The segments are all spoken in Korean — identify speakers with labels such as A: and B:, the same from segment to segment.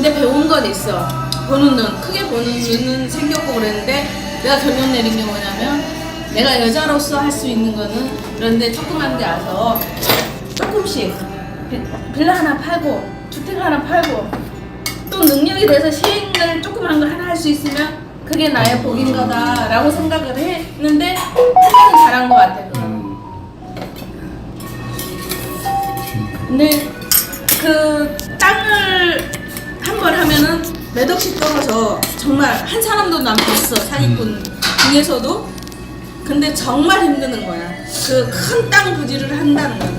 A: 근데 배운 건 있어. 보는 눈, 크게 보는 눈은 생겼고 그랬는데 내가 결론 내린 게 뭐냐면 내가 여자로서 할 수 있는 거는 그런데 조그만 데 와서 조금씩 빌라 하나 팔고 주택 하나 팔고 또 능력이 돼서 시행을 조그만 거 하나 할 수 있으면 그게 나의 복인 거다라고 생각을 했는데 하나는 잘한 것 같아. 근데 그 땅을 한 번 하면은 몇 억씩 떨어져. 정말 한 사람도 난 봤어, 사기꾼 중에서도. 근데 정말 힘드는 거야. 그 큰 땅 부지를 한다는 거야.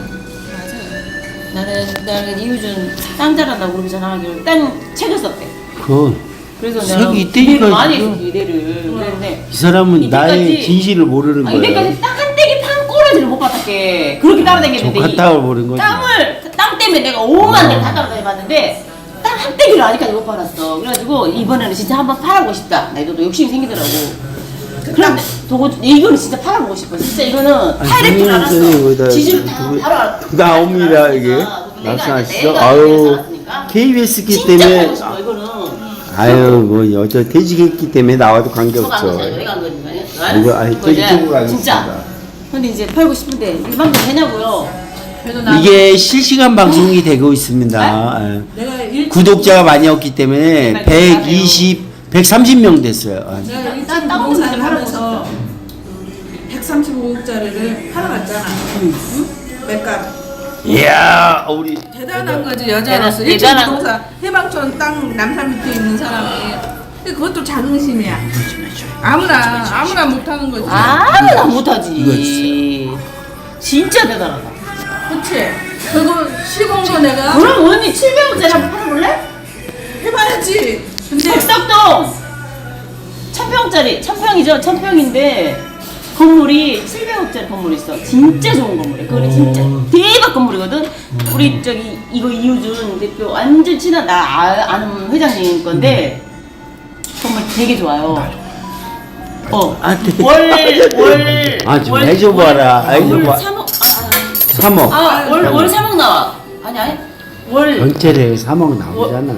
B: 나는 이유준 땅 잘한다고 그렇게 전화하기로 땅 책을 썼대. 그래서 내가
C: 이때까지
B: 많이 했어 이대를. 그랬는데
C: 이 사람은
B: 이때까지,
C: 나의 진실을 모르는 거야.
B: 이때까지 딱 한 떼기 판 꼬라지를 못 받았게 그렇게 따라다녔는데
C: 조카땅을 모르는 거지.
B: 땅 때문에 내가 5만 대를 다 따라다녀봤는데 땅 한 떼기를 아직까지 못 팔았어. 그래가지고 이번에는 진짜 한번 팔아보고 싶다. 나도 욕심이 생기더라고. 그럼 이거는 진짜 팔아보고 싶어. 진짜 이거는 팔 줄 알았어. 지지를 다 바로
C: 나옵니다 이게. 말씀하시죠. 아유 KBS기 때문에.
B: 팔고 싶어 이거는.
C: 아유 뭐 여자 퇴직했기 때문에 나와도 관계없죠.
B: 내가 한 거니까.
C: 이거 아니 저 이쪽으로 가겠습니다.
B: 진짜. 근데 이제 팔고 싶은데 이 방송 되냐고요?
C: 이게 실시간 방송이 되고 있습니다. 아, 구독자가 많이 없기 때문에 130명 됐어요.
A: 내가 일찍 부동산을 하면서 135억짜리를 팔아갔잖아. 응? 맥값.
C: 이야 우리
A: 대단한 거지 여자로서. 일찍 부동산 해방촌 땅 남산 밑에 있는 사람이. 근데 그것도 자긍심이야. 아무나 못하는 거지.
B: 아무나 못하지. 진짜 대단하다.
A: 그치? 그거 시공도 내가
B: 그럼 언니 700원짜리 한번 팔아볼래?
A: 해봐야지. 근데
B: 덕덕동 1000평짜리 1000평이죠. 1000평인데 건물이 700억짜리 건물이 있어. 진짜 좋은 건물이야. 그거는 진짜 대박 건물이거든. 우리 저기 이거 이우준 대표 완전 친한 나 아는 회장님 건데 건물 되게 좋아요. 월
C: 좀 해줘봐라.
B: 월
C: 해줘봐.
B: 3억
C: 3억.
B: 월 3억 나와. 아니 월
C: 전체를 3억 나오잖아.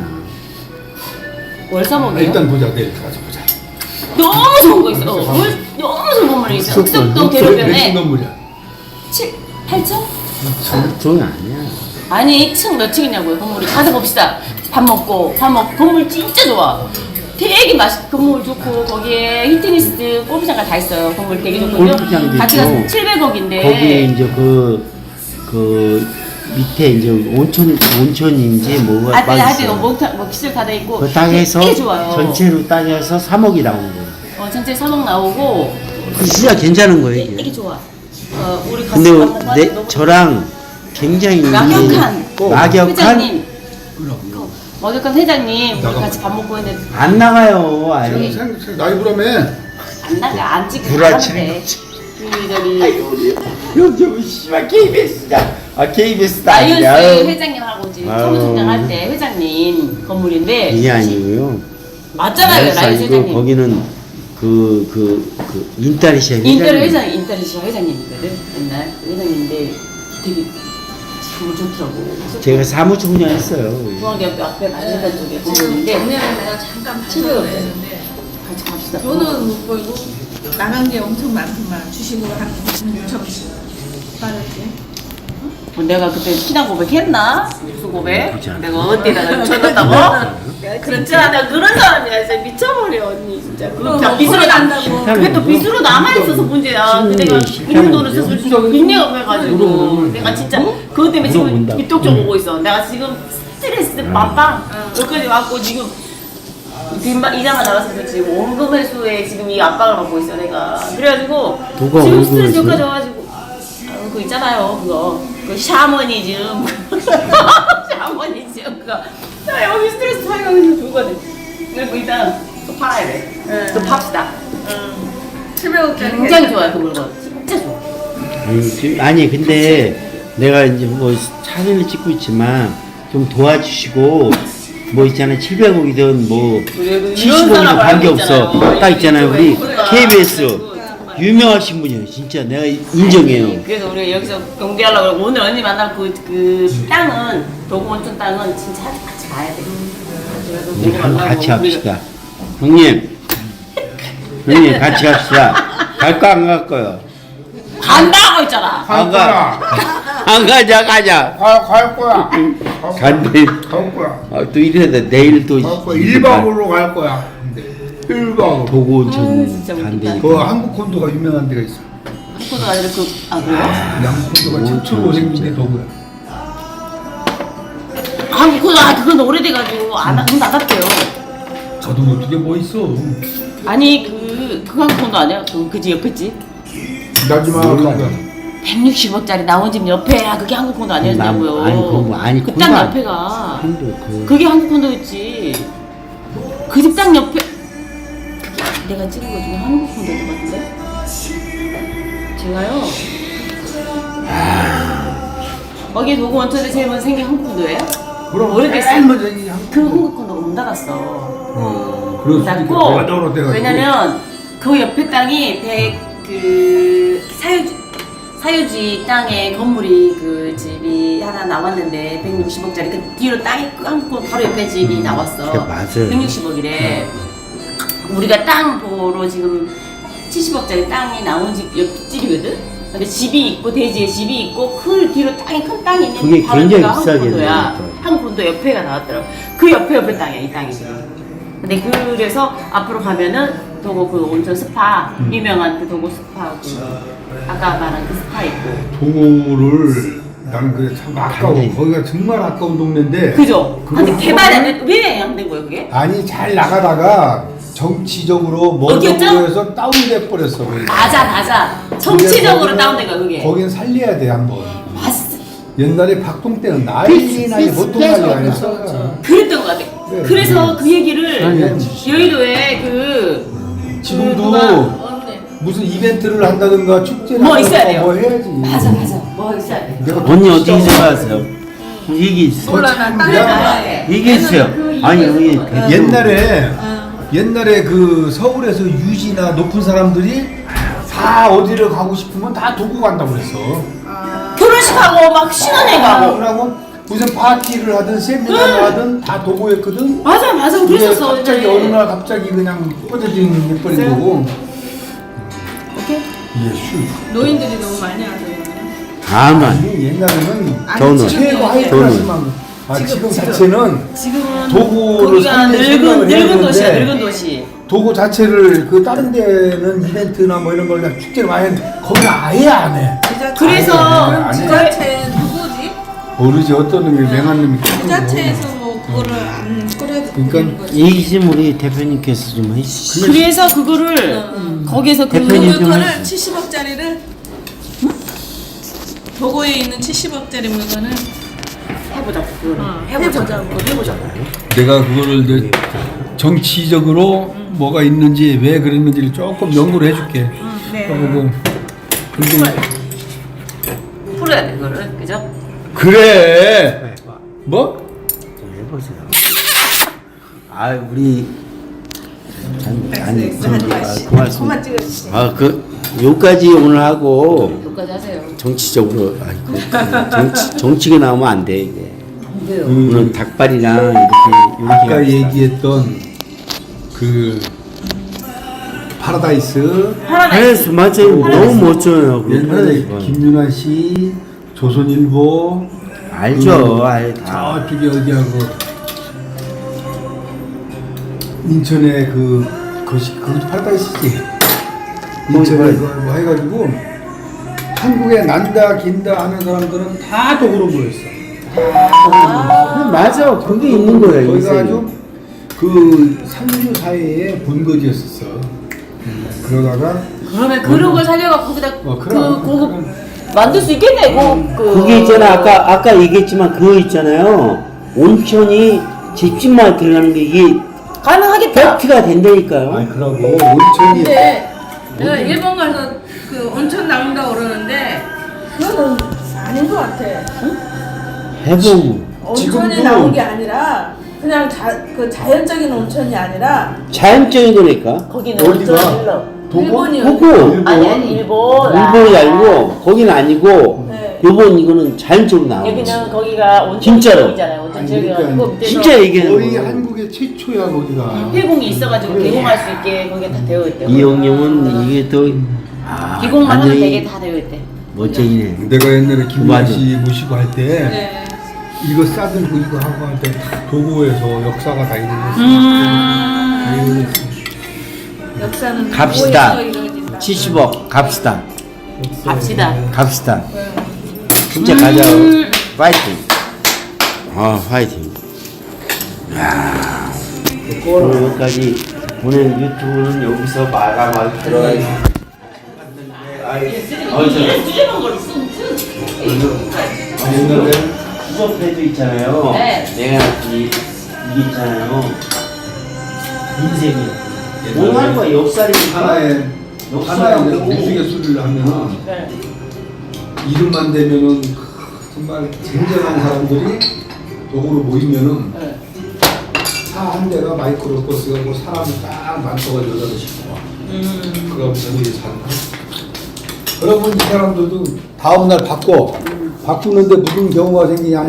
B: 월 3억이요?
D: 일단 보자. 내일 가서 보자.
B: 너무 좋은 거 있어. 너무 좋은 건물이 있어. 흑석동
D: 몇
B: 대로변에
D: 건물이야?
B: 8층?
C: 층 아니야.
B: 아니 층 몇 층이냐고요 건물이. 가서 봅시다. 밥 먹고 건물 진짜 좋아. 되게 건물 좋고 거기에 히트니스 골프장까지 다 있어요. 건물 되게 좋거든요.
C: 골프장도
B: 같이 가서
C: 있고.
B: 700억인데
C: 거기에 이제 그 밑에 이제 온천인지 뭐가
B: 하여튼 뭐 기술 다 돼 있고
C: 그 땅에서
B: 되게 좋아요.
C: 전체로 따져서 3억이 나온 거예요.
B: 전체 3억 나오고
C: 그 진짜 괜찮은 거예요
B: 되게
C: 이게.
B: 좋아. 우리
C: 근데
B: 가서
C: 저랑 굉장히
B: 막역한 회장님. 먹역한 회장님 우리
D: 나가.
B: 같이 밥 먹고 했는데
C: 안 나가요. 아니.
D: 라이브라며.
B: 안 나가 안 찍고
C: 구라치는
B: 가는데 저기
C: 요즘 씨발 KBS다. KBS다.
B: 라이언스 회장님하고 지금
C: 아유.
B: 사무총장 할 때 회장님 건물인데
C: 이게 아니고요.
B: 맞잖아요 라이언스
C: 아니고
B: 회장님.
C: 거기는 그 인타리시아
B: 인터리시아 회장님이거든. 옛날 회장님인데 되게 정말 좋더라고.
C: 제가 사무총장 했어요.
B: 중앙대학교 앞에 만세단 쪽에 건물인데
A: 작년에 내가 잠깐
B: 친구가
A: 봤다고 했는데
B: 같이 갑시다.
A: 돈은 못 벌고 나간 게 엄청 많구만. 주식으로 한 6천씩 빠졌지.
B: 뭐 내가 그때 신앙 고백했나? 무슨 고백?
C: 그렇지 않아.
B: 내가 어디다가 줬다고? 그렇지 않아. 그런 사람이야. 진짜 미쳐버려 언니 진짜. 그거 다 빚으로
A: 난다고.
B: 그게 또 빚으로 남아있어서 문제야. 근데 내가 있는 돈을 써서 빚내가 없어가지고 내가 진짜 그것 때문에 지금
C: 물어본다.
B: 밑독점 오고 있어. 내가 지금 스트레스 빵빵 여기까지 왔고 지금 빚만 이자만 나가서 지금 원금 회수에 지금 이 압박을 받고 있어 내가. 그래가지고
C: 누가
B: 지금
C: 원금
B: 스트레스
C: 회수해?
B: 여기까지 와가지고 그거 있잖아요 그거 그 샤머니즘 샤머니즘 그거 나 여기 스트레스 살려고 좋거든. 그리고 일단 또 팔아야 돼. 또 팝시다.
A: 700억짜리.
B: 굉장히 좋아요 그 물건. 진짜 좋아.
C: 아니 근데 내가 이제 뭐 사진을 찍고 있지만 좀 도와주시고 뭐 있잖아 700억이든 뭐
B: 이런
C: 70억이든
B: 사람을 알고
C: 관계없어.
B: 있잖아요.
C: 딱 있잖아요 우리
B: 그러니까.
C: KBS 유명하신 분이에요 진짜 내가 인정해요.
B: 그래서 우리가 여기서 경비하려고 그러고 오늘 언니 만나고 그 땅은 도구원천 땅은 진짜 같이 가야 돼. 그래서
C: 우리
B: 보고
C: 한번
B: 가려고
C: 같이 합시다. 형님 같이 갑시다. 갈 거 안 갈 거요?
B: 간다고 했잖아.
C: 안 가. 안 가자.
D: 갈 거야.
C: 간대.
D: 갈 거야.
C: 또 이래다 내일 또
D: 갈 거야. 1박으로 갈 거야. 1박으로.
C: 도구 온천
B: 진짜
C: 간대.
B: 웃기다.
D: 그 한국 콘도가 유명한 데가 있어.
B: 한국도 아니라 그래요?
D: 양국 콘도가 최초로 생긴 게 도구야.
B: 그건 오래돼가지고 안 닫았대요.
D: 저도 어떻게 뭐 있어.
B: 아니 그 한국도 아니야? 그집 옆에 집?
D: 나지마.
B: 160억짜리 나온 집 옆에야 그게 한국콘도 아니었냐고요.
C: 아니
B: 그 땅 옆에가 그게 한국콘도였지. 그 집 땅 옆에 그게 내가 찍은 거 중에 한국콘도인 것 같은데. 제가요. 거기 도구 원천에 제일 먼저 생긴 한국콘도예요?
D: 그럼
B: 오래됐어.
D: 제일 먼저 이 한국.
B: 그 한국콘도가 문 닫았어.
D: 그래서
B: 닫고 왜냐면 그 옆에 땅이 사유지 땅에 건물이 그 집이 하나 나왔는데 160억짜리 그 뒤로 땅이 끊고 바로 옆에 집이 나왔어.
C: 맞아요.
B: 160억이래. 우리가 땅 보러 지금 70억짜리 땅이 나온 옆집이거든. 근데 집이 있고 대지에 집이 있고 그 뒤로 큰 땅이 있는
C: 그게
B: 바로
C: 굉장히
B: 옆에가
C: 비싸겠네요.
B: 한국콘도 옆에가 나왔더라고. 그 옆에 땅이야 이 땅이 지금. 근데 그래서 앞으로 가면은 도고 그 온천 스파 유명한 그 도고 스파 아까 말한 그 스파 있고.
D: 도구를 나는 그게 참 아까워. 거기가 정말 아까운 동네인데.
B: 그죠?
D: 그걸
B: 근데 개발이 안 돼. 왜 안 된 거야 그게?
D: 아니 잘 나가다가 정치적으로
B: 어디였죠?
D: 먼저에서 다운돼 버렸어. 거기가.
B: 맞아. 정치적으로
D: 거기는-
B: 다운된 거야 그게.
D: 거긴 살려야 돼 한번.
B: 맞어.
D: 옛날에 박동 때는 난리 보통 난리 아니었어.
B: 그랬던 것 같아.
D: 네.
B: 그래서 그 얘기를
D: 아니,
B: 여의도에
D: 지금도
A: 언니.
D: 무슨 이벤트를 한다든가 축제를
B: 뭐 있어야
D: 한다든가
B: 돼요.
D: 뭐 해야지.
B: 맞아. 뭐 있어야 돼.
D: 내가
C: 언니 어떻게
D: 진짜
C: 생각하세요? 얘기해주세요.
A: 몰라 난
D: 야.
A: 땅에 나야 돼.
C: 얘기해주세요. 아니 여기
D: 옛날에 그 서울에서 유지나 높은 사람들이 다 어디를 가고 싶으면 다 도구 간다고 그랬어.
B: 결혼식하고 막 신혼여행 가고.
D: 하고 무슨 파티를 하든 세미나를 하든 다 도구였거든.
B: 맞아.
D: 근데
B: 그랬었어.
D: 갑자기 어느 날 갑자기 그냥 꺼져지는 예뻐린 거고.
B: 오케이.
D: 이게 술.
A: 노인들이 너무 많이 하세요.
C: 다만
D: 아니 옛날에는
C: 저는
D: 최고 하이 클래스만. 지금 자체는
B: 지금은
D: 도구를
B: 거기가
D: 살릴 생각을 해야
B: 늙은 도시야.
D: 되는데
B: 늙은 도시.
D: 도구 자체를 그 다른 데는 이벤트나 뭐 이런 걸 그냥 축제를 많이 했는데 거기는 아예 안 해.
B: 그래서
D: 안 해.
A: 지자체 누구지?
D: 모르지 어떤 놈이 맹한 놈이
A: 지자체에서 뭐 그거를 안 꾸려도
D: 그러니까
A: 되는 거지.
C: 얘기 좀 우리 대표님께서 좀 해주시죠.
B: 그래서 그거를 거기서
C: 대표님 좀
A: 물건을
C: 해주세요.
A: 70억짜리를 도고에 있는 70억짜리 물건을
B: 해보자. 해보자.
D: 내가 그거를 이제 정치적으로 뭐가 있는지 왜 그랬는지를 조금 연구를 해줄게.
A: 네.
D: 그리고
B: 풀어야 돼 그거를 그죠?
D: 그래. 뭐?
C: 좀 해보세요. 아 우리 고맙습니다.
A: 그만 찍어주세요.
C: 요까지 오늘 하고
B: 여기까지 하세요.
C: 정치적으로 정치가 나오면 안 돼 이게.
B: 안 돼요.
C: 오늘 닭발이랑
D: 아까
C: 이렇게
D: 얘기했던 그 파라다이스
C: 파라다이스 맞아요. 너무 멋져요. 그
D: 옛날에
C: 파라다이스.
D: 김윤아 씨, 조선일보
C: 알죠. 다.
D: 저쪽에 어디하고 인천에 그것도 파라다이스지. 인천에 뭐 해가지고 한국에 난다 긴다 하는 사람들은 다 도구로 모였어.
C: 맞아. 그게 있는 거야
D: 거기가
C: 인생이.
D: 아주 그 상류 사회의 본거지였었어. 그러다가
B: 그러면 그런 걸 살려가 거기다
D: 그럼.
B: 그거 만들 수 있겠네.
C: 그게 있잖아. 아까 얘기했지만 그거 있잖아요. 온천이 집집마다 들어가는 게 이게
B: 가능하겠다.
C: 팩트가 된다니까요.
D: 아니 그러고 온천이
A: 근데 내가 일본 가서 그 온천 나온다고 그러는데 그거는 아닌 것 같아.
C: 해보고
A: 온천이
D: 지금도-
A: 나온 게 아니라 그냥 그 자연적인 온천이 아니라
C: 자연적인 거니까.
B: 거기는
D: 어디가?
B: 어쩌 일러.
D: 도구?
A: 일본이요.
C: 보고
B: 아니 일본.
C: 일본이 아니고 거기는 아니고
A: 네.
C: 요번 이거는 자연적으로 나오는
B: 여기는 거기가 온천
C: 진짜로.
B: 지역이잖아요. 온천
D: 아니,
B: 지역이가
D: 그러니까
B: 그 밑에서
C: 진짜 얘기하는
D: 거의
C: 거예요.
D: 한국의 최초야 거기가.
B: 회공이 있어가지고 개공할 수 있게 거기가 다 되어 있대요.
C: 이 형님은 이게 또
B: 기공만 하면
C: 완전히
B: 되게 다 되어 있대.
C: 멋쟁이네.
D: 내가 옛날에 김구라
C: 맞아.
D: 씨 모시고 할 때
A: 네.
D: 이거 싸들고 이거 하고 할 때 도구에서 역사가 다 있는 거지.
A: 역사는
C: 갑시다.
A: 뭐에서 이루어진다.
C: 70억 갑시다.
B: 갑시다.
C: 갑시다. 진짜 가자. 파이팅. 파이팅. 야. 오늘 여기까지 오늘 유튜브는 여기서 마감하도록 들어가겠습니다.
B: 수제만 걸 쓴.
C: 옛날에 수저패도 있잖아요.
B: 네.
C: 내가 이게 있잖아요. 인생이야. 오늘 하루가 역살이니까
D: 하나의
C: 역사하고
D: 우스갯소리를 하면은
B: 네.
D: 이름만 되면은 정말 쟁쟁한 사람들이 도구로 모이면은
B: 네.
D: 차 한 대가 마이크로버스가 뭐 사람이 딱 많다가 여자도 싶어. 그럼 저들이 산다. 그러면 이 사람들도 다음날 바꾸는데 무슨 경우가 생기냐?